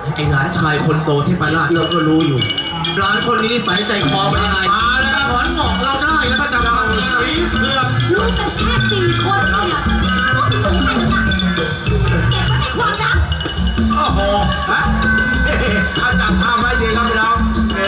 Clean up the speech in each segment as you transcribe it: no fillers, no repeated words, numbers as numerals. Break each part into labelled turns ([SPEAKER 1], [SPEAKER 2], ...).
[SPEAKER 1] ไอ้หลานชายคนโตที่ประหลาดเราก็รู้อยู่หลานคนนี้นิสัยใจคอเป็นยังไงมาแล้วถอนหงอกเราได้แล้วถ้าจะมาสีเผือก
[SPEAKER 2] ลูกกันแค่4 คนเนี่ยก็ถึงใครแล้วนะเก็บไว้ในความลับ
[SPEAKER 1] โอ้โหฮะถ้าจับภาพไว้ดีครับพี่น้อง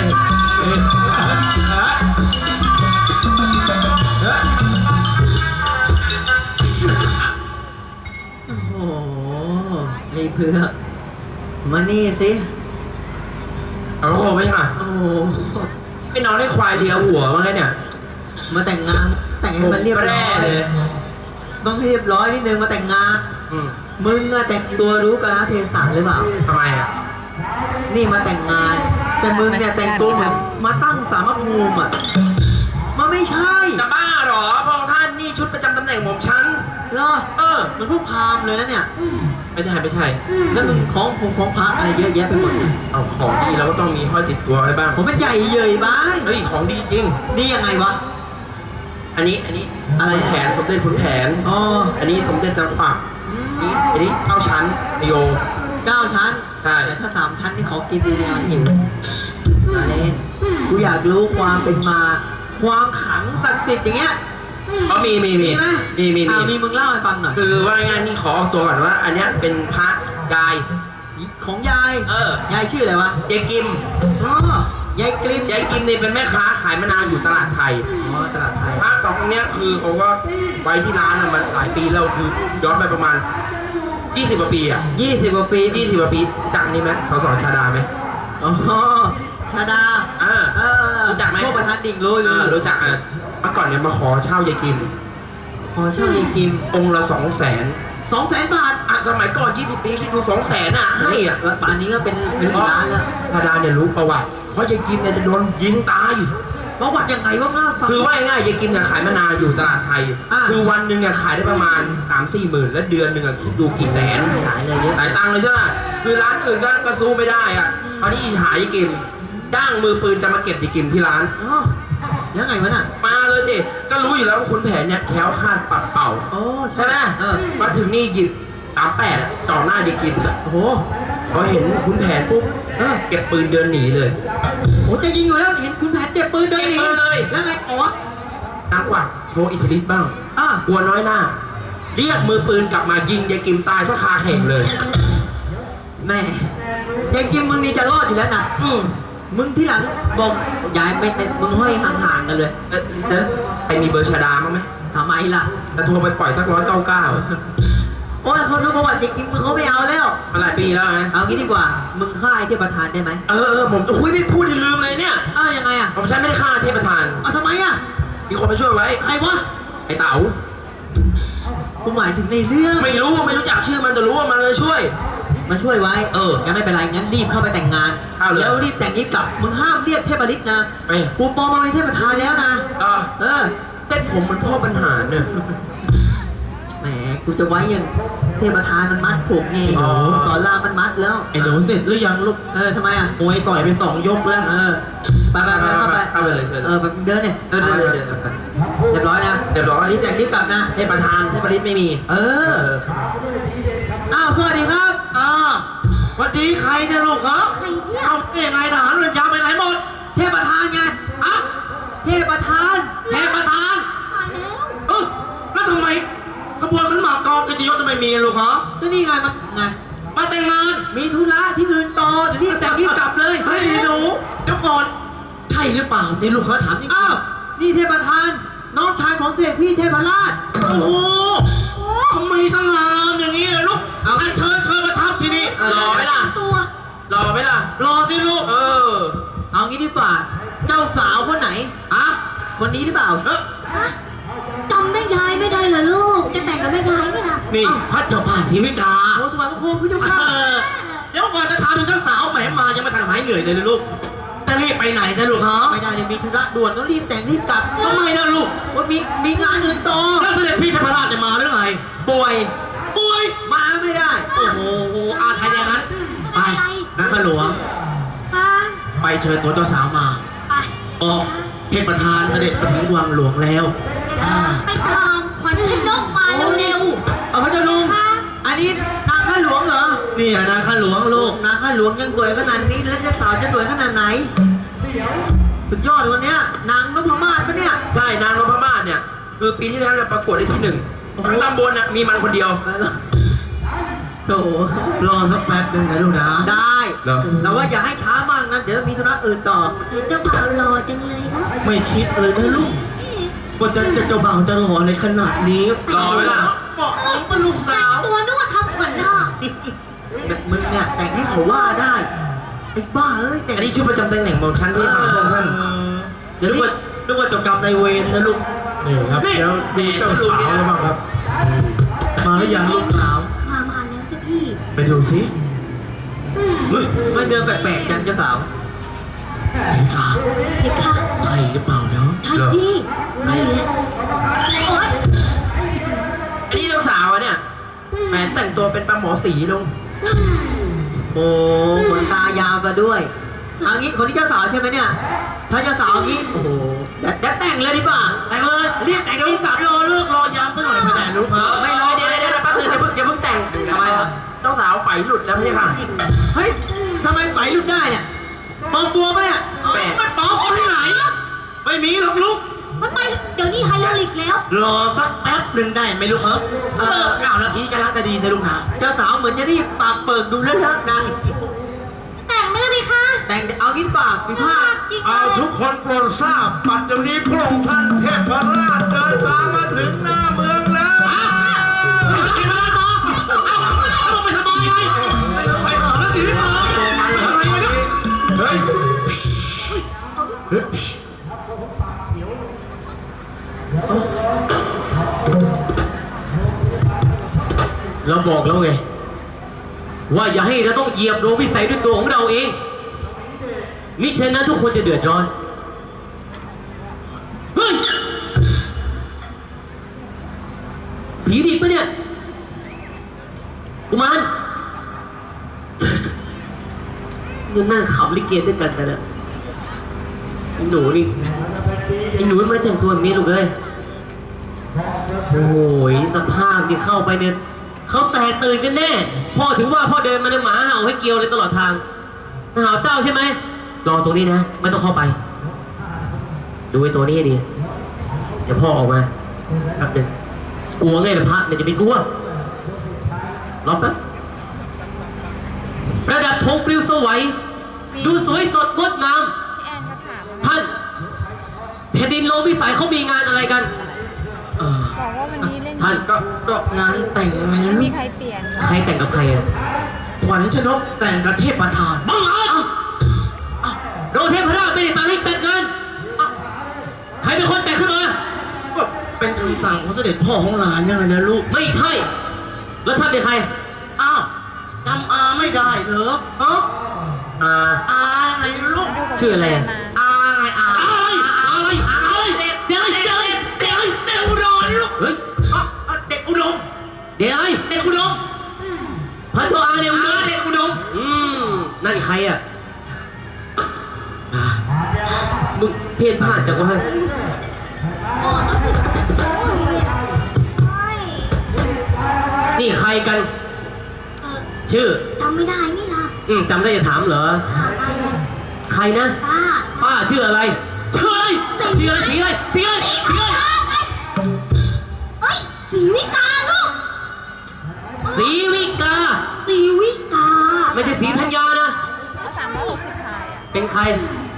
[SPEAKER 3] โอ้โหไอ้เผือกมานี่สิ
[SPEAKER 4] เอาโคไหมค่ะ
[SPEAKER 3] โอ้โห
[SPEAKER 4] ไม่นอนให้ควายเลียหัวมั้งไงเนี่ย
[SPEAKER 3] มาแต่งงานแต่งให้มันเรียบร้
[SPEAKER 4] แร่
[SPEAKER 3] อย
[SPEAKER 4] เลย
[SPEAKER 3] ต้องให้เรียบร้อยนิดนึงมาแต่งงาน
[SPEAKER 4] อืม
[SPEAKER 3] มึงอะแต่งตัวรู้กาลเทศะหรือเปล่า
[SPEAKER 4] ทำไมอ่ะ
[SPEAKER 3] นี่มาแต่งงาน แต่มึงเนี่ยแต่งตัวเหมือนมาตั้งสามภูมิอ่ะมันไม่ใช่
[SPEAKER 4] จะบ้าเหรอพระองค์ท่านนี่ชุดประจำตำแหน่งของฉัน
[SPEAKER 3] เหรอมันพวกพราหมณ์เลยนะเนี่ย
[SPEAKER 4] ไม่ใช่ไม่ใช่
[SPEAKER 3] แล้วมึงของพงของพระอะไรเยอะแยะไปหมดเนี่ย
[SPEAKER 4] เอาของดีเราก็ต้องมีห้อยติดตัวไว้บ้าง
[SPEAKER 3] ผมเป็นใหญ่เย่ยบ้าย
[SPEAKER 4] เฮ้ยของดีจริง
[SPEAKER 3] นี่ยังไงวะ
[SPEAKER 4] อันนี้
[SPEAKER 3] อะไร
[SPEAKER 4] ขุนแผนสมเด็จขุนแผน
[SPEAKER 3] อ๋อ
[SPEAKER 4] อันนี้สมเด็จนางกวักอันนี้9 ชั้นโย
[SPEAKER 3] 9 ชั้น
[SPEAKER 4] ใช่
[SPEAKER 3] แต่ถ้า3 ชั้นนี่ขอกินดูงานหิวมาเล่นกูอยากรู้ความเป็นมา ความขลังศักดิ์สิทธิ์อย่างเงี้ย
[SPEAKER 4] อ๋อมี
[SPEAKER 3] มีไหม
[SPEAKER 4] มี
[SPEAKER 3] มีมึงเล่าให้ฟังหน่อย
[SPEAKER 4] คือว่าง่ายๆนี่ขอออกตัวก่อนว่า อันเนี้ยเป็นพระกาย
[SPEAKER 3] ของยาย ยายชื่ออะไรวะ
[SPEAKER 4] ยายกิม
[SPEAKER 3] อ๋อยายกลิม
[SPEAKER 4] ยายกิมนี่เป็นแม่ค้าขายมะนาวอยู่ตลาดไทย
[SPEAKER 3] อ๋อตลาดไทย
[SPEAKER 4] พระสององค์เนี้ยคือเขาก็ไว้ที่ร้านอะมันหลายปีแล้วคือย้อนไปประมาณ20 กว่าปีอะ
[SPEAKER 3] 20 กว่าปี
[SPEAKER 4] 20 กว่าปีจากนี้ไหมเขาสอนชาดาไหม
[SPEAKER 3] อ๋อชาดา
[SPEAKER 4] รู้จักไหม
[SPEAKER 3] พวกประธานดิ่งรู้อยู่
[SPEAKER 4] รู้จักอ่ะเมื่อก่อนเนี่ยมาขอเช่ายายกิม
[SPEAKER 3] ขอเช่ายายกิม
[SPEAKER 4] องค์ละ200,000
[SPEAKER 3] 200,000 บาท
[SPEAKER 4] อ่ะสมัยก่อน20 ปีคิดดู200,000อ่ะให้อ่ะ
[SPEAKER 3] แล้วป่านนี้ก็เป็นล้านแล้ว
[SPEAKER 4] ชาดาเนี่ยรู้ประวัติเพราะยายกิมเนี่ยจะโดนยิงตาย
[SPEAKER 3] ประวัติยังไงวะง่าฟัง
[SPEAKER 4] คือว่าง่ายๆยายกิมเนี่ยขายมะนาวอยู่ตลาดไทย
[SPEAKER 3] อ่า
[SPEAKER 4] คือวันหนึ่งเนี่ยขายได้ประมาณ 3-4 หมื่นแล้วเดือนหนึ่งอะคิดดูกี่แสน
[SPEAKER 3] หลายเลยเยอะ
[SPEAKER 4] หลายตังค์เลยใช่ไหมคือร้านอื่นก็สู้ไม่ได้อ่ะคราวนี้อิจฉายายกิมจ้างมือปืนจะมาเก็บยายกิมที่ร้าน
[SPEAKER 3] อ๋อยังไงวะน่ะ
[SPEAKER 4] มาเลยดิก็รู้อยู่แล้วว่าขุนแผนเนี่ยแคล้วคลาดปัดเป่า
[SPEAKER 3] โอ้
[SPEAKER 4] ใช่ไหม มาถึงนี่หยิบ38อ่ะจ่อหน้ายายกิมอ่ะ
[SPEAKER 3] โอ้โห
[SPEAKER 4] พอเห็นขุนแผนปุ๊บเก็บปืนเดินหนีเลย
[SPEAKER 3] โอ้จะยิงอยู่แล้วเห็นคุณแผนเจ็บปืนเดินหนี
[SPEAKER 4] เก็บปืนเลย
[SPEAKER 3] แล้วไงอ๋อ
[SPEAKER 4] นักกว่าโชว์อิทธิฤทธิ์บ้าง
[SPEAKER 3] อ่ะ
[SPEAKER 4] กลัวน้อยหน้า เรียกมือปืนกลับมายิงยายกิมตายซะคาเข่งเลย
[SPEAKER 3] แม่ยายกิมมึงนี่จะรอดอยู่แล้วนะ มึงที่หลังบอกยายไม่มึงห้อยห่างๆกันเลย
[SPEAKER 4] แล้วใครมีเบอร์ชาดามั้างไหม
[SPEAKER 3] ทำไมล่ะ
[SPEAKER 4] จะโทรไปปล่อยสัก199
[SPEAKER 3] โอ้ยคนรู้ประวัติยายกิมมึงเขาไม่เอาแล้ว
[SPEAKER 4] มาหลายปีแล้วนะ
[SPEAKER 3] เอางี้ดีกว่า มึงฆ่าไอ้เทพประธานได้ไหม
[SPEAKER 4] ผมจะคุยไม่พูดที่ลืมเลยเนี่ย
[SPEAKER 3] ยังไงอ่ะ
[SPEAKER 4] ผมฉันไม่ได้ฆ่าเทพประธาน
[SPEAKER 3] เอาทำไมอ่ะ
[SPEAKER 4] มีคนมาช่วยไว้
[SPEAKER 3] ใครวะ
[SPEAKER 4] ไอ้เต๋า
[SPEAKER 3] กูหมายถึงในเรื่อง
[SPEAKER 4] ไม่รู้จักชื่อมันแต่รู้ว่ามันมาช่วย
[SPEAKER 3] มาช่วยไว้ งั้นไม่เป็นไร งั้นรีบเข้าไปแต่งงาน
[SPEAKER 4] เอาเลย
[SPEAKER 3] แล้วรีบแต่งรีบกลับ มึงห้ามเรียกเทพฤทธิ์นะ
[SPEAKER 4] ไม่
[SPEAKER 3] กูปลอมมาเป็นเทพประธานแล้วนะ
[SPEAKER 4] เต้นผมเหมันพ่อปัญหาเนี่ย
[SPEAKER 3] แหม กูจะไว้ยังเทพประธานมันมัดผมไง
[SPEAKER 4] อ๋อ
[SPEAKER 3] สอนรามมันมัดแล้ว
[SPEAKER 1] ไอ้หนูเสร็จหรือยังลูก
[SPEAKER 3] ทำไมอ่ะ
[SPEAKER 1] มวยต่อยไป2 ยกแล้ว
[SPEAKER 3] ไปเข้าไป
[SPEAKER 4] เข้าไปเลยเชิญ
[SPEAKER 3] แบบเดินเนี่ย
[SPEAKER 4] เดี๋ยว
[SPEAKER 3] เรียบร้อยนะ
[SPEAKER 4] เรียบร้อย
[SPEAKER 3] รีบแต่งรีบกลับนะ
[SPEAKER 4] เทพประธานเทพฤทธิ์ไม่มี
[SPEAKER 3] อ้าวสวัสดีครับ
[SPEAKER 1] วันนี้ใครจะลูกเหรอ
[SPEAKER 2] ใครเนี่ย
[SPEAKER 1] เอาเองไงทหารเรือนจำไปไหนหมด
[SPEAKER 3] เทพประธานไง
[SPEAKER 1] อ่ะ
[SPEAKER 3] เทพประธาน
[SPEAKER 1] เทพประธาน
[SPEAKER 2] ตายแล้ว
[SPEAKER 1] แล้วทำไมขบวนขันหมากกองกิจยศจะไม่มีลูกเหรอ
[SPEAKER 3] ก็นี่ไงไง
[SPEAKER 1] มาแต่งงาน
[SPEAKER 3] มีธุระที่อื่นต่อเดี๋ยวรีบแต่งรีบกลับเลย
[SPEAKER 1] เฮ้ยหนูเดี๋ยวก่อน ใช่หรือเปล่าที่ลูกเขาถามจริง
[SPEAKER 3] อ้าว นี่เทพประธาน น้องชายของเสกพี่เทพราช
[SPEAKER 1] โอ้โหทำไมสง่างามอย่างนี้เลยลูก
[SPEAKER 3] เอา
[SPEAKER 1] อันเชิญมาทับที่นี่
[SPEAKER 4] รอไหมล่ะ
[SPEAKER 2] ตัว
[SPEAKER 4] รอไหมล่ะ
[SPEAKER 1] รอสิลูก
[SPEAKER 3] เอางี้ดีกว่า เจ้าสาวคนไหน คนนี้หรือเปล่า
[SPEAKER 2] จำแม่ยายไม่ได้เหรอลูก จะแต่งกับแม่ยายไหมล่ะ
[SPEAKER 1] นี่พระเจ้าป่าศรีวิกา
[SPEAKER 3] โอ้สวัสดีคุณผู้ชมครับ
[SPEAKER 1] เดี๋ยวก่อนจะถามเป็นเจ้าสาวแหมมายังไม่ทันหายเหนื่อยเลยลูกจะรีบไปไหนจะลูกฮะ
[SPEAKER 3] ไม่ได้เลยมีธุระด่วนต้องรีบแต่งรีบกลับ
[SPEAKER 1] ทำไมนะลูก
[SPEAKER 3] ว่ามีงานอื่นต่อ
[SPEAKER 1] แล้วเสด็จพี่เทพราชจะมาหรือไง
[SPEAKER 3] ป่วย
[SPEAKER 1] ป่วย
[SPEAKER 3] มาไม่ได้
[SPEAKER 1] โอ้โหไทยอย่างนั้นไปนักขหลวง ไปเชิญตัวเจ้าสาวมา
[SPEAKER 2] ไป
[SPEAKER 1] ออกเทพประธานเสด็จมาถึงวังหลวงแล้ว
[SPEAKER 2] ไปตามขวัญชนกมาเร็ว
[SPEAKER 3] เอาพระเจ้าลุง อันนี้นางข้าหลวงเหรอ
[SPEAKER 1] นี่แหละนะข้าหลวงลูก
[SPEAKER 3] นางข้าข้าหลวงยังสวยขนาดนี้แล้วเจ้าสาวจะสวยขนาดไหนสุดยอดวันเนี้ยนางนพมาศปะเนี่ย
[SPEAKER 4] ใช่นางนพมาศเนี่ยคือปีที่แล้วเนี่ยประกวดได้ที่หนึ่งทั้งตำบลน่ะมีมันคนเดียว
[SPEAKER 3] โถ
[SPEAKER 1] รอสักแป๊บหนึ่งนะลูกนะ
[SPEAKER 3] ได้
[SPEAKER 1] เหรอ
[SPEAKER 3] แต่ว่าอย่าให้ช้ามากนะเดี๋ยวมีธุระอื่นต่อ
[SPEAKER 2] เดี๋ยวเจ้าบ่าวรอจังเลยนะ
[SPEAKER 1] ไม่คิดเลยนะลูกว่าจะเจ้าบ่าวจะหล่ออะไรขนาดนี้
[SPEAKER 4] รอไว้ล่ะ
[SPEAKER 1] เหมาะสมเป็นลูกสาว
[SPEAKER 2] ตัวนึกว่าทำขวัญนาค
[SPEAKER 3] แบบมึงเนี่ยแต่งให้เขาว่าได้ไอ้บ้าเอ้ยแต่ง
[SPEAKER 4] อันนี้ชื่อประจำตำแหน่งของท่านพี่ค่ะพระองค์ท่าน
[SPEAKER 1] เดี๋ยวนึกว่าเจ้ากรรมนายเวรนะลูกนี่ครับเดี๋ยวดูเจ้าสาวเลยบ้างครับ มาหรือยังลูกสาว
[SPEAKER 2] มาแล้วจ้ะพี่
[SPEAKER 1] ไปดูสิเฮ้ย
[SPEAKER 3] มันเดินแปลกๆจังเจ้าสาว
[SPEAKER 1] เด็กค่ะ
[SPEAKER 2] เห็นค่ะ
[SPEAKER 1] ใช่หรือเปล่าเนาะ
[SPEAKER 2] ใช่จีนี่แหละโอ๊ย
[SPEAKER 4] อันนี้เจ้าสาวอะเนี่ยแหมแต่งตัวเป็นปลาหมอสีลุง
[SPEAKER 3] โอ้ขนตายาวมาด้วยเอางี้คนที่เจ้าสาวใช่ไหมเนี่ยถ้าเจ้าสาวงี้โอ้โหเดี๋ยวแต่งเลยดีกว่า
[SPEAKER 1] แต่งเลย
[SPEAKER 3] เรียกแต่งแล้วกลับ
[SPEAKER 1] รอเลิกรอยามซะหน่อยไม่ได้ลูกเหรอ
[SPEAKER 3] ไม่รอ
[SPEAKER 4] เดี๋ยวแป๊บนึงอย่าเพิ่งแต่งทำไมอะเจ้าสาวไฟหลุดแล้วพี่ค่ะ
[SPEAKER 3] เฮ้ยทำไมไหวหลุดได้เนี่ยปลอมตัวปะเนี่ย
[SPEAKER 4] แปะ
[SPEAKER 1] มันปลอมเอาที่ไหน ไม่มีหรอกลูก
[SPEAKER 2] มันไปเดี๋ยวนี้ไฮโลลิกแล้ว
[SPEAKER 1] รอสักแป๊บหนึ่งได้ไหมลูกเลิก9 นาทีก็รักจะดีนะลูกนะ
[SPEAKER 3] เจ้าสาวเหมือนจะรีบปากเปิดดูเลอะๆนะ
[SPEAKER 2] แต่งไม่ได้ไหมคะ
[SPEAKER 3] แต่งเอางี้ปากมีผ้า
[SPEAKER 2] จริง
[SPEAKER 5] เอาทุกคนโปรดทราบปัจจุบันนี้พระองค์ท่านเทพราชเดินทางมาถึงหน้าเมืองแล้ว
[SPEAKER 1] ไปสบายไงไปหาแล้วสิพี่หมออะไรวะเนี่ย
[SPEAKER 5] เฮ้ย
[SPEAKER 6] เราบอกแล้วไงว่าอย่าให้เราต้องเหยียบโดนวิสัยด้วยตัวของเราเองมิฉะนั้นทุกคนจะเดือดร้อนเฮ้ยผีดิบปะเนี่ยกุมารยังนั่งขับลิเกด้วยกันนะไอ้หนูนี่ไอ้หนูไม่แต่งตัวแบบนี้ลูกเลยโอ้ยสภาพที่เข้าไปเนี่ยเขาแตกตื่นกันแน่พ่อถึงว่าพ่อเดินมาในหมาเห่าให้เกลียวเลยตลอดทางเห่าเจ้าใช่ไหมรอตรงนี้นะไม่ต้องเข้าไป ดูไอ้ตัวนี้ให้ดีเดี๋ยวพ่อออกมาครับเดินกลัวไงล่ะพระเนี่ยจะเป็นกลัวรอแป๊บประดับธงปลิวสวัยดูสวยสดงดงามท่านแผ่นดินโลกวิสัยเขามีงานอะไรกัน
[SPEAKER 7] บอกว่าวันนี้เล่น
[SPEAKER 6] ท่าน
[SPEAKER 1] ก็งานแต่งไงลู
[SPEAKER 7] มี
[SPEAKER 1] ก
[SPEAKER 7] ใครเปลี่ยน
[SPEAKER 6] ใครแต่งกับใครอะ
[SPEAKER 1] ขวัญชนกแต่งกับเทพประธาน
[SPEAKER 6] บังเอิญโดนเทพราชไม่ได้สั่งให้แต่งงานใครเป็นคนแต่งขึ้นมา
[SPEAKER 1] ก็เป็นคำสั่งของเสด็จพ่อของหลานยังไงนะลูก
[SPEAKER 6] ไม่ใช่ แล้วท่านเป็นใคร
[SPEAKER 1] อ้าวจำอาไม่ได้เหรอฮะ
[SPEAKER 6] อ่า
[SPEAKER 1] อาไงลูก
[SPEAKER 6] ชื่ออะไรอะ
[SPEAKER 1] อาไงอา
[SPEAKER 6] อะไรเด็กเด็ก
[SPEAKER 1] อุดรลูก
[SPEAKER 6] เฮ้ย
[SPEAKER 1] เด็กอุดม
[SPEAKER 6] เด็กอะไร
[SPEAKER 1] เด็กอุดม
[SPEAKER 6] พันโทอาเนี่ย
[SPEAKER 1] เด็กอุดม
[SPEAKER 6] นั่นใครอะมึงเพี้ยนพลาดจากว่า
[SPEAKER 2] อ๋อโอ้ยเนี่ยโอ้ย
[SPEAKER 6] นี่ใครกัน
[SPEAKER 2] เออ
[SPEAKER 6] ชื่อ
[SPEAKER 2] จำไม่ได้นี่ล่ะ
[SPEAKER 6] จำได้จะถามเหรอ
[SPEAKER 2] ป้าป้า
[SPEAKER 6] ใครนะ
[SPEAKER 2] ป้า
[SPEAKER 6] ป้าชื่ออะไรชื่ออะไรชื่ออะไรสีอะไรสีอะไรสีอะไร
[SPEAKER 2] เฮ้ยสีวิกาลูก
[SPEAKER 6] สีวิกา
[SPEAKER 2] สีวิกา
[SPEAKER 6] ไม่ใช่สีธัญญานะ
[SPEAKER 7] 360พายอ่ะ
[SPEAKER 6] เป็นใคร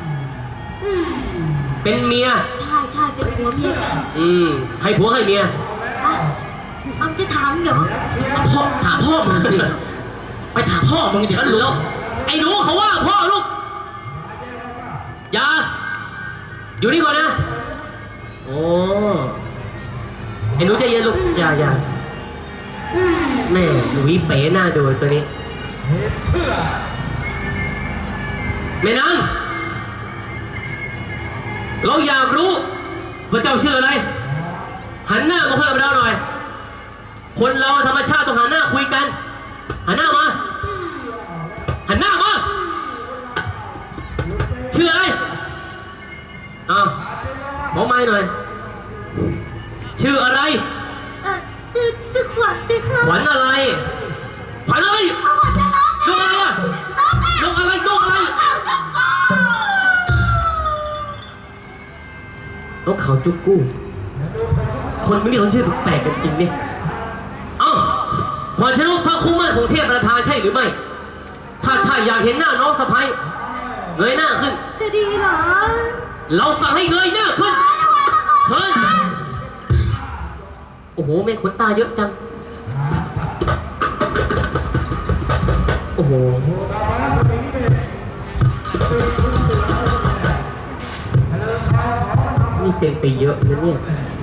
[SPEAKER 6] เป็นเมีย
[SPEAKER 2] ใช่เป็นผัวเมียกัน
[SPEAKER 6] ใครผัวใครเมีย
[SPEAKER 2] อ่ะเอาจะถามเดี๋ยว
[SPEAKER 1] พ่อถามพ่อมึงสิ ไปถามพ่อมึงเดี๋ยว
[SPEAKER 6] แล้วไอ้หนูเขาว่าพ่อลูก อย่า อยู่นี่ก่อนนะ โอ้ไอ้หนูใจเย็นลูก อย่าแม่หนูเป๋หน้าดูตัวนี้แม่นางเราอยากรู้ว่าเจ้าชื่ออะไร หันหน้ามาคุยกับเราหน่อย คนเราธรรมชาติต้องหันหน้าคุยกัน หันหน้ามา หันหน้ามา ชื่ออะไรอ้าวบอกไม้หน่อย ชื่ออะไร
[SPEAKER 2] ชื่อขวัญดิค่ะ
[SPEAKER 6] ขวัญอะไร ขวัญอะไร
[SPEAKER 2] ขวัญจะร้อง
[SPEAKER 6] ดูอะไรอ่ะ
[SPEAKER 2] ร้องไง
[SPEAKER 6] นกเขาจุกกู้คนไม่เรียกคนชื่อแปลกๆกันจริงเนี่ยเอ้าพรชนกพระคู่มั่นของเทพประธานใช่หรือไม่ถ้าใช่อยากเห็นหน้าน้องสะพ้ายเงยหน้าขึ้น
[SPEAKER 2] จะดีเหรอ
[SPEAKER 6] เราสั่งให้เงยหน้าขึ้นเชิญโอ้โหแม่ขนตาเยอะจังโอ้โหนี่เต็มไปเยอะนะเนี่ย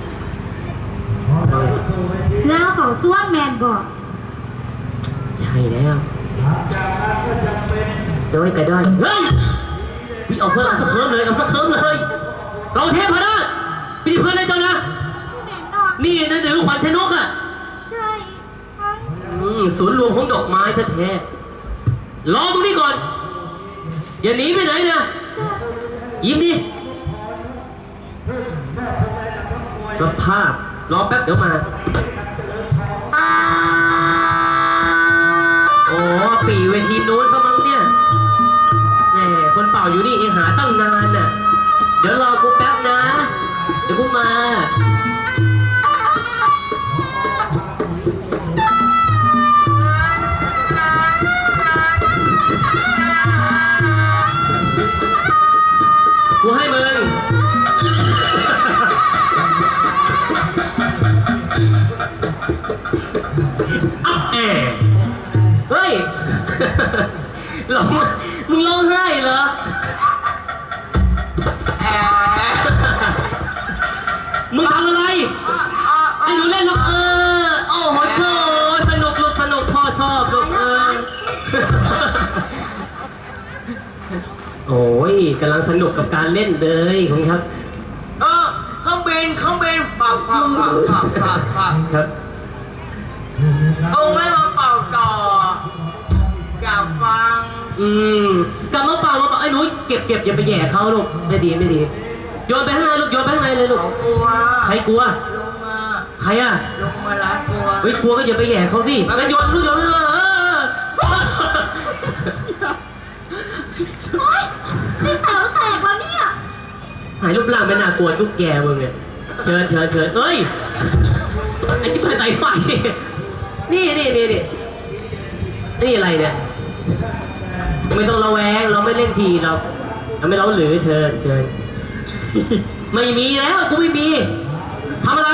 [SPEAKER 2] แล้วเขาส่วนแมนบอก
[SPEAKER 6] ใช่แล้วด้วยก็ได้เฮ้ยวิเอาเพื่อนเอาสักเคิร์มเลยเอาสักเคิร์มเลยเราเทพพระไม่ใช่เพื่อนเลยเจ้านะ
[SPEAKER 2] แมนนอน
[SPEAKER 6] นี่นะเดี๋ยวขวัญชนกอ่ะ
[SPEAKER 2] ใช่
[SPEAKER 6] ศูนย์รวมของดอกไม้แท้ๆรอตรงนี้ก่อน อย่าหนีไปไหนนะยิ้มดิสภาพรอแป๊บเดี๋ยวมาโอ้ปีเวทีนู้นเขามั้งเนี่ยแหมคนเป่าอยู่นี่เองหาตั้งนานน่ะเดี๋ยวรอกูแป๊บนะเดี๋ยวกูมากูให้มึงอัพแอเฮ้ยร้องมึงร้องไห้เหรอมึงทำอะไรไอ้หนูเล่นลูกโอ้โหโชว์สนุกลูกสนุกพ่อชอบลูกโอ้ยกำลังสนุกกับการเล่นเลยคุณครับเครื่องบินปับครับ
[SPEAKER 3] เอาไว้มาเป่าต่ออยากฟัง
[SPEAKER 6] กลับมาเป่าไอ้หนูเก็บอย่าไปแย่เขาลูกไม่ดีโยนไปข้างในลูกโยนไปข้างในเลยลูก
[SPEAKER 3] กลัว
[SPEAKER 6] ใครกลัว
[SPEAKER 3] ลงมา
[SPEAKER 6] ใครอ่ะ
[SPEAKER 3] ลงมาละกลัว
[SPEAKER 6] เฮ้ยกลัวก็อย่าไปแย่เขาสิแล้วโยนลูกโยนเลย
[SPEAKER 2] โอ๊ยนี่แต๋วแตกแล้วเนี่ย
[SPEAKER 6] หายรูปร่างไม่น่ากลัวตุ๊กแกมึงเนี่ยเชิญเอ้ยไอ้ที่เปิดไฟไฟนี่อะไรเนี่ยไม่ต้องระแวงเราไม่เล่นทีเราไม่เล้าหรือเชิญไม่มีแล้วกูไม่มีทำอะไร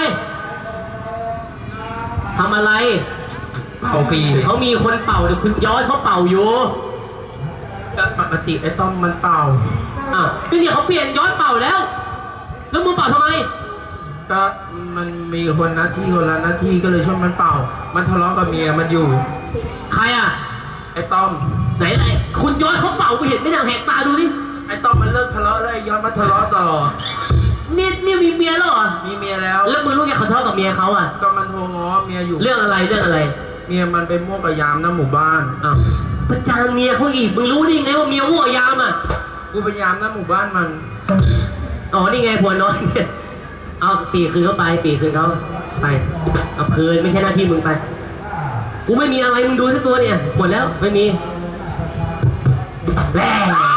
[SPEAKER 4] เป่าปี
[SPEAKER 6] เขามีคนเป่าเดี๋ยวคุณย้อนเขาเป่าอยู่
[SPEAKER 4] ก็ปกติไอ้ต้อมมันเป่า
[SPEAKER 6] ก็เนี่ยเขาเปลี่ยนย้อนเป่าแล้วมึงเป่าทำไม
[SPEAKER 4] ก็มันมีคนละหน้าที่ก็เลยช่วยมันเป่า มันทะเลาะกับเมียมันอยู่
[SPEAKER 6] ใครอ่ะ
[SPEAKER 4] ไอ้ต้อม
[SPEAKER 6] ไหนคุณย้อนเขาเป่ากูเห็นไม่ได้แหกตาดูดิ
[SPEAKER 4] ไอ้ต้อมมันเลิกทะเลาะแล้วไอ้ย้อนมาทะเลาะต่อ
[SPEAKER 6] เนี่ยมีเมียแล้วเหรอ
[SPEAKER 4] มีเมียแล้ว
[SPEAKER 6] แล้วมึงรู้ไงเขาทะเลาะกับเมียเขาอ่ะ
[SPEAKER 4] ก็มันโทรง้อเมียอยู่
[SPEAKER 6] เรื่องอะไร
[SPEAKER 4] เมียมันไปมั่วกับยามหน้าหมู่บ้าน
[SPEAKER 6] อ้าวประจานเมียเขาอีกมึงรู้ได้ไงว่าเมียมั่วยามอ่ะ
[SPEAKER 4] กูพยายามหน้าหมู่บ้านมัน
[SPEAKER 6] อ๋อนี่ไงผัวน้อยเนี่ยเอาปีคืนเขาไปปีคืนเขาไปเอาคืนไม่ใช่หน้าที่มึงไปกูไม่มีอะไรมึงดูสักตัวเนี่ยหมดแล้วไม่มีแร่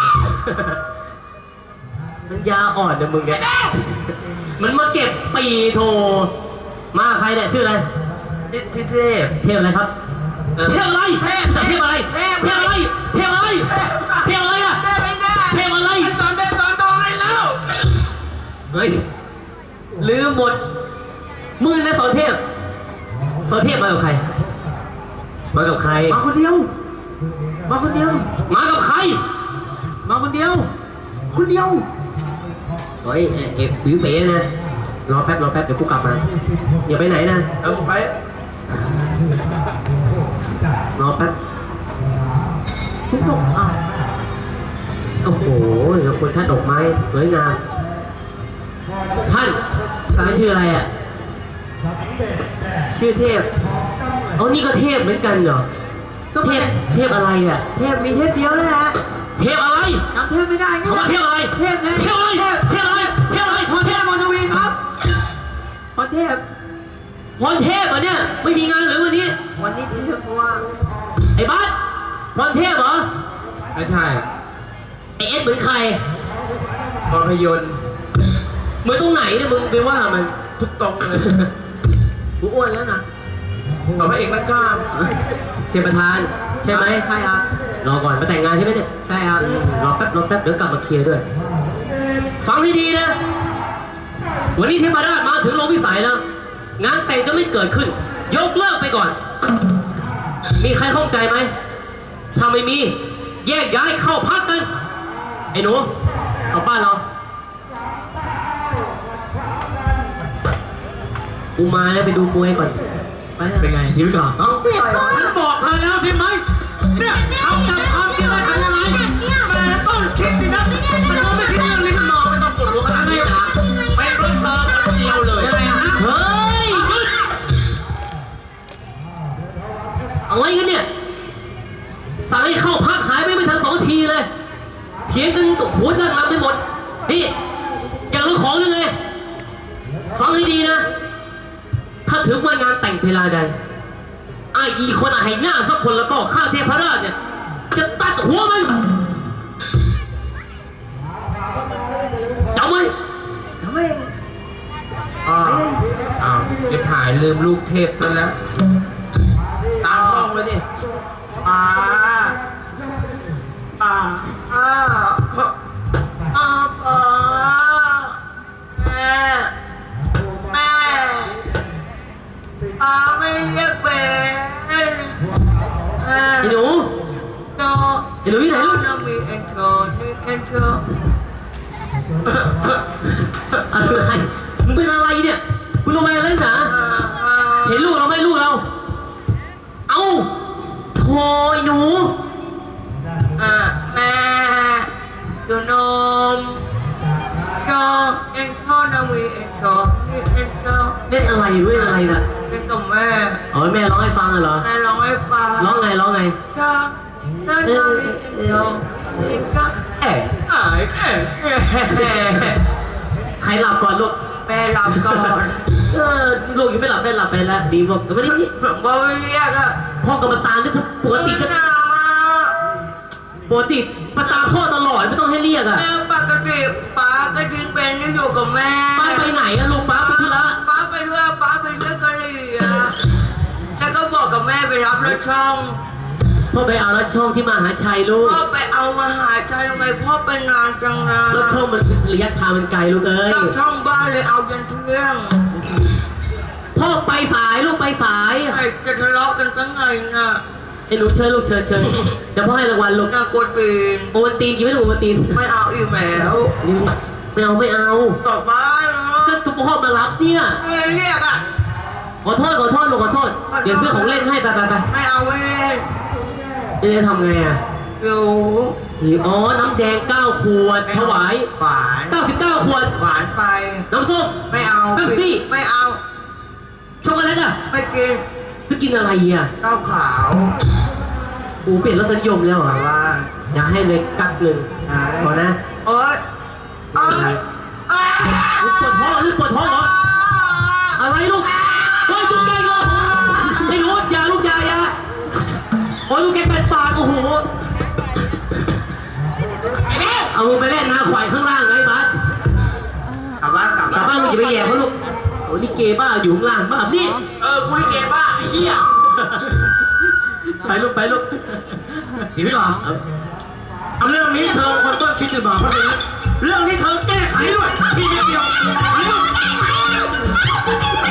[SPEAKER 6] มันยาอ่อนนะมึงเนี่ยมันมาเก็บปีโทมาใครเนี่ยชื่ออะไร
[SPEAKER 4] ที่เทพ
[SPEAKER 6] เทพอะไรครับเทพอะไรแต่เทพอะไรเทพอะไรอ่ะเทพอะไร
[SPEAKER 4] ตอนโตเลยแล้ว
[SPEAKER 6] เฮ้ยลืมหมดมือนะสอนเทพมากับใครมากับใคร
[SPEAKER 3] มาคนเดียว
[SPEAKER 6] มากับใคร
[SPEAKER 3] คนเดียว
[SPEAKER 6] เฮ้ยเอ็วิวเป๋นะรอแป๊บเดี๋ยวกูกลับมาอย่าไปไหนนะ
[SPEAKER 4] เอาไป
[SPEAKER 6] รอแป๊บ
[SPEAKER 3] ทุกตกอ้าว
[SPEAKER 6] โอ้โหเดี๋ยวคนท่านดอกไม้สวยงามท่านชื่ออะไรอ่ะ
[SPEAKER 3] ชื่อเทพ
[SPEAKER 6] เอานี่ก็เทพเหมือนกันเหรอเทพอะไรอ่ะ
[SPEAKER 3] เทพมีเทพเดียวเลยฮะ
[SPEAKER 6] เทพอะไร
[SPEAKER 3] จำเทพไม่ได้ไง
[SPEAKER 6] เขาว่าเทพอะไร
[SPEAKER 3] เทพไง
[SPEAKER 6] เทพอะไรเทพอะไรพรเทพ
[SPEAKER 3] มนวีครับพรเทพ
[SPEAKER 6] พรเทพเหรอเนี่ยไม่มีงานหรือวันนี้
[SPEAKER 3] วันนี้เทพว่า
[SPEAKER 6] ไอ้บัสพรเทพเหรอ
[SPEAKER 4] ไม่ใช่
[SPEAKER 6] ไอ้เอสเหมือนใคร
[SPEAKER 4] ภาพยนตร์
[SPEAKER 6] มึงตรงไหนเนี่ยมึงไปว่ามัน
[SPEAKER 4] ทุกตรงเลย
[SPEAKER 3] กูอ้วนแล้วนะ
[SPEAKER 4] ต่อพระเอกมันกล้าม
[SPEAKER 6] เทพประธานใช่ไหม
[SPEAKER 3] ใช่ครับ
[SPEAKER 6] รอก่อนมาแต่งงานใช่ไหมเนี่ย
[SPEAKER 3] ใช่ครับ
[SPEAKER 6] รอแป๊บเดี๋ยวกลับมาเคลียร์ด้วย ฟังให้ดีนะ วันนี้เทพราชมาถึงโรงวิสัยแล้วงานแต่งจะไม่เกิดขึ้น ยกเลิกไปก่อน มีใครข้องใจไหมถ้าไม่มีแยกย้ายเข้าพักกันไอ้หนูเอาบ้านเรากูมาแล้วไปดูมวยก่อนไปเถอะ
[SPEAKER 1] เป็นไงชีวิตก่อนเอ้าฉันบอกเธอแล้วใช่ไหมเนี่ยทำตามความจริงเลยทำยังไงแม่ต้องคิดสินะมันก็ไม่คิดเรื่องนี้ขึ้นมาไม่ต้องปวดหัวขนาดนี้นะเป็นรถเธอคนเดียวเลยอะไรอ่ะ
[SPEAKER 6] เฮ้ยหยุดอะไรกันเนี่ยสายเข้าพักหายไปไม่ทัน2 ทีเลยเถียงกันหัวเรื่องรำไปหมดนี่อยากรู้ของหรือไงฟังให้ดีนะถ้าถึงวันงานแต่งเพลาใดไอ้อีคนให้หน้าสักคนแล้วก็ข้าเทพราชเนี่ยจะตัดหัวมันจำไว้
[SPEAKER 3] ทำไม
[SPEAKER 4] อ้าวเดี๋ยวถ่ายลืมลูกเทพซะแล้ว ตามห้องไว้ดิ
[SPEAKER 3] อ่าอ่าอ่าอ่าอ่าแม่แม่ป้าไม่เรียกเป็นแม่
[SPEAKER 6] ไอ้หนู
[SPEAKER 3] โน
[SPEAKER 6] ไอ้หนูที่ไหนลูก
[SPEAKER 3] น้องมีเอ็นโทรมีเอ็นโทร
[SPEAKER 6] อะไรมึงเป็นอะไรเนี่ยคุณลงไปอะไรหนาเห็นลูกเราไหมลูกเราเอาโธ่ไอ้หนู
[SPEAKER 3] แม่ดูนมโนเอ็นโทรน้องมีเอ็นโทรมีเอ็นโทร
[SPEAKER 6] เล่นอะไรด้วยอะไรน่ะ
[SPEAKER 3] เป็นกับแม่
[SPEAKER 6] อ๋อแม่ร้องให้ฟังเหรอ
[SPEAKER 3] แม่ร้องให้ฟัง
[SPEAKER 6] ร้องไงร้องไง
[SPEAKER 3] ก็นั่นน้องมีเอ็นโทรก็เอ๋เอ๋เอ๋
[SPEAKER 6] ใครหลับก่อนลูก
[SPEAKER 3] แม่รับก่อน
[SPEAKER 6] ลูกยังไม่หลับได้หลับไปแล้วดีบอกไม่ได้นี่
[SPEAKER 3] ผมก็ไม่เรียกอะ
[SPEAKER 6] พ่อกรรมตามนี่ถ้าปกติก็
[SPEAKER 3] หนาวอะ
[SPEAKER 6] ปกติมาตามพ่อตลอดไม่ต้องให้เรียกอ่ะ
[SPEAKER 3] แม่ปกติป้าก็ทิ้งเป็นที่อยู่กับแม่
[SPEAKER 6] ป้าไปไหนอะลูกป้าไปธุระ
[SPEAKER 3] ป้าไปด้วยป้าไปเที่ยวกะหรี่อะแล้วก็บอกกับแม่ไปรับรถช่อง
[SPEAKER 6] พ่อไปเอารถช่องที่มหาชัยลูก
[SPEAKER 3] พ่อไปเอามาหาใจทำไมพ่อไปนานจังเลย
[SPEAKER 6] รถช่องมันเป็นระยะทางมันไกลลูกเอ้ย
[SPEAKER 3] ตั้งช่องบ้านเลยเอายันเที่ยง
[SPEAKER 6] พ่อไปสายลูกไปสาย
[SPEAKER 3] ไอ้จะทะเลาะกันตั้งไงน่ะ
[SPEAKER 6] ไอ้หนูเชิญลูกเชิญเดี๋ยวพ่อให้รางวัลลูก
[SPEAKER 3] น่ากดปีน
[SPEAKER 6] โอวันตีนกินไม่ถูกโอวันตีน
[SPEAKER 3] ไม่เอาอีกแล้ว
[SPEAKER 6] นี่ไม่เอา
[SPEAKER 3] กลับบ้านเนาะ
[SPEAKER 6] ก็พ่อมารับเนี่ย
[SPEAKER 3] ไม่เรียกอะ
[SPEAKER 6] ขอโทษลูกขอโทษเดี๋ยวซื้อของเล่นให้ไป
[SPEAKER 3] ไม่เอาไม่เล่น
[SPEAKER 6] จะทำไงอ่ะ
[SPEAKER 3] อยู่
[SPEAKER 6] อ๋อน้ำแดง9 ขวดถวาย
[SPEAKER 3] หวาน
[SPEAKER 6] 99 ขวด
[SPEAKER 3] หวานไป
[SPEAKER 6] น้ำส้ม
[SPEAKER 3] ไม่เอา
[SPEAKER 6] เป๊ปซี่
[SPEAKER 3] ไม่เอา
[SPEAKER 6] ช็อกโกแลตอ่ะ
[SPEAKER 3] ไม่กิน
[SPEAKER 6] ไปกินอะไรอ่ะ
[SPEAKER 3] ข้าวขาว
[SPEAKER 6] กูเปลี่ยนรสนิยมแล้วเหร
[SPEAKER 3] แต่
[SPEAKER 6] อ่ะ
[SPEAKER 3] ว่า
[SPEAKER 6] อยากให้เลยกักหนึ่งขอนะ
[SPEAKER 3] โอ๊ยโอ๊ยอ้า
[SPEAKER 6] ลูกปวดท้องเหรออะไรลูกเฮ้ยจุกแกงเหรอไอ้หนูอย่าลูกอย่าโอ้ยลูกแกงเป็นปากโอ้โหเอามึงไปเล่นนะขวายข้างล่างไงบัส
[SPEAKER 3] กลับบ้านกลับ
[SPEAKER 6] กลับ
[SPEAKER 3] บ้าน
[SPEAKER 6] บ้านมึงอย่าไปแย่เขาลูกโอ้ลิเกบ้าอยู่ข้างล่างบ้านี่
[SPEAKER 3] กูลิเกบ้าไอ้เหี้ย
[SPEAKER 6] ไปลูก
[SPEAKER 1] ชีวิตก่อนเอาเรื่องนี้เธอคนต้นคิดกันมาเพราะฉะนั้นเรื่องนี้เธอแก้ไขด้วยพี่เดียวไปลูก